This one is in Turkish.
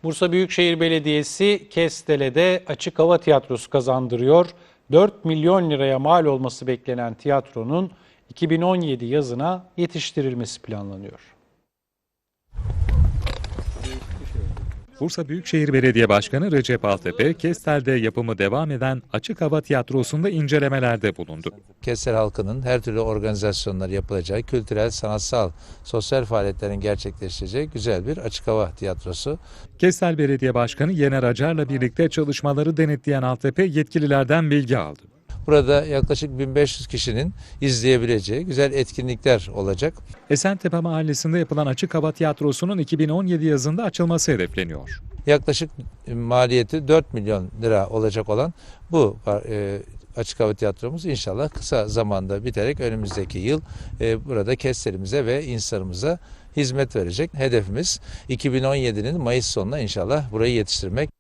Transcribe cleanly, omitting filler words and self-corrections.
Bursa Büyükşehir Belediyesi Kestele'de açık hava tiyatrosu kazandırıyor. 4 milyon liraya mal olması beklenen tiyatronun 2017 yazına yetiştirilmesi planlanıyor. Bursa Büyükşehir Belediye Başkanı Recep Altepe, Kestel'de yapımı devam eden açık hava tiyatrosunda incelemelerde bulundu. Kestel halkının her türlü organizasyonlar yapılacağı, kültürel, sanatsal, sosyal faaliyetlerin gerçekleşeceği güzel bir açık hava tiyatrosu. Kestel Belediye Başkanı Yener Acar'la birlikte çalışmaları denetleyen Altepe yetkililerden bilgi aldı. Burada yaklaşık 1500 kişinin izleyebileceği güzel etkinlikler olacak. Esentepe Mahallesi'nde yapılan açık hava tiyatrosunun 2017 yazında açılması hedefleniyor. Yaklaşık maliyeti 4 milyon lira olacak olan bu açık hava tiyatromuz inşallah kısa zamanda biterek önümüzdeki yıl burada Kestel'imize ve insanımıza hizmet verecek. Hedefimiz 2017'nin Mayıs sonuna inşallah burayı yetiştirmek.